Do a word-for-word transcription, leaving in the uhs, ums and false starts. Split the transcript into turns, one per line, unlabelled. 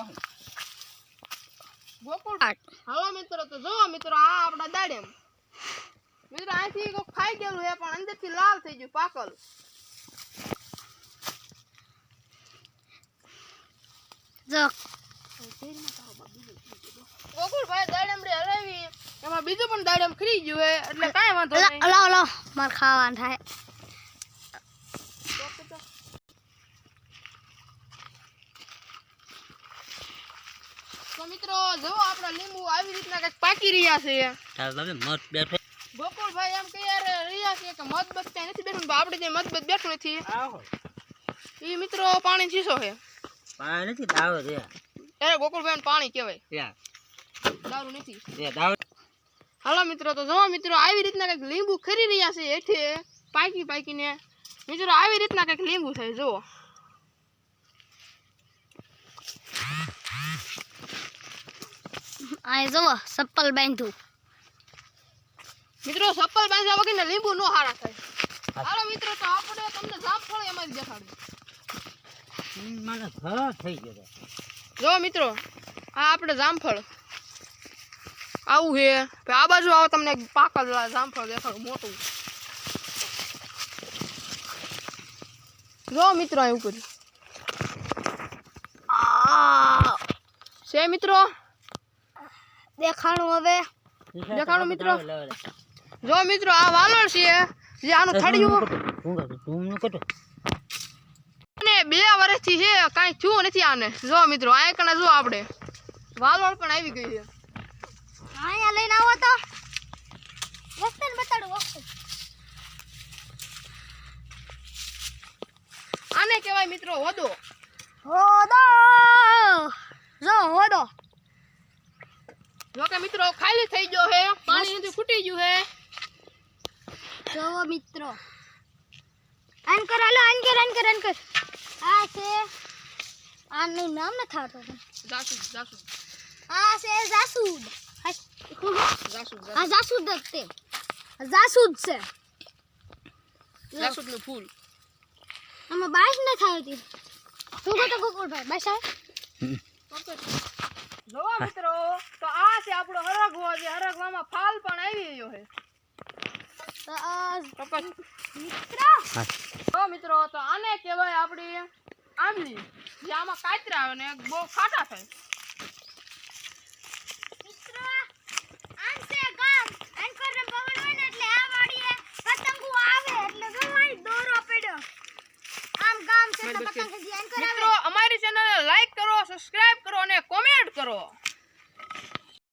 જાહું ગોકુળ હાલો મિત્રો તો જો મિત્રો આ આપડા દાડેમ મિત્રો આથી કો ખાઈ ગયેલું હે પણ અંદરથી લાલ થઈ ગયું પાકલ
જો
ગોકુળ ભાઈ દાડેમ રે હરાવી એમાં બીજું પણ દાડેમ ખરી ગયું હે એટલે કાઈ વાંધો નહીં
લો લો માર ખાવાનું થાય
તો મિત્રો જો આપડા લીંબુ આવી રીતના કઈક પાકી રહ્યા છે
તાર બાબે મત બેઠો
ગોકુળભાઈ એમ કે યાર રહ્યા છે કે મત બસ ત્યાં નથી બેઠું આપણે જે મત બસ બેઠું નથી
આવો
ઈ મિત્રો પાણી ચીસો છે
પાણી નથી દાવ છે
એ ગોકુળભાઈ પાણી કહેવાય
યા
દારૂ નથી
એ દાવ
હાલો મિત્રો તો જો મિત્રો આવી રીતના કઈક લીંબુ ખરી રહ્યા છે હેઠે પાકી પાકીને મિત્રો આવી રીતના કઈક લીંબુ થાય જો
આ જો સપ્પલ બાંધ્યું
મિત્રો સપ્પલ બાંધ્યા વગરના લીંબુ નો હારા થાય હાલો મિત્રો તો આપણે તમને જામફળ એમાંથી દેખાડું
મને ઘર થઈ ગયો
જો મિત્રો આ આપણે જામફળ આવું છે આ બાજુ આવો તમને પાકલ જામફળ દેખાડું મોટું જો મિત્રો અહીં ઉપર
આ
છે મિત્રો
દેખાણું હવે
દેખાડો મિત્રો જો મિત્રો આ વાલોળ છે જે આનું થડિયું
તું નું કટો
અને બે વર્ષથી છે કાંઈ થયું નથી આને જો મિત્રો આ કણે જો આપણે વાલોળ પણ આવી ગઈ છે
અહીંયા લઈને આવો તો વસ્તન બતાડો વસ્તન
આને કહેવાય મિત્રો હોદો
હોદો જો હોદો
જો કે મિત્રો ખાલી થઈ ગયો છે પાણી નથી ફૂટી ગયું છે
જો મિત્રો આન કર હાલો આન કર આન કર આન કર આ છે આનું નામ ન થાતો
જાસૂદ જાસૂદ
આ છે જાસૂદ
જાસૂદ
આ જાસૂદ દખતે જાસૂદ છે
જાસૂદનું ફૂલ
આમાં બાસ ન થાવતી તું તો ગોકુળભાઈ બાસ આવે
જો મિત્રો તો આ છે આપણો હરગવો જે હરગવામાં ફાલ પણ આવી ગયો છે
તો આ
કપાસ
મિત્રો
જો મિત્રો તો આને કહેવાય આપણી આંબલી જે આમાં કાતરા આવે ને બહુ ખાટા થાય
મિત્રો આન છે ગામ આન પર પવન હોય ને એટલે આ વાડીએ પતંગો આવે એટલે ગવાઈ દોરો પડ્યો આમ ગામ છે તો પતંગ જે આન કરાવે
મિત્રો અમારી ચેનલને લાઈક કરો સબસ્ક્રાઇબ કરો અને કોમેન્ટ કરો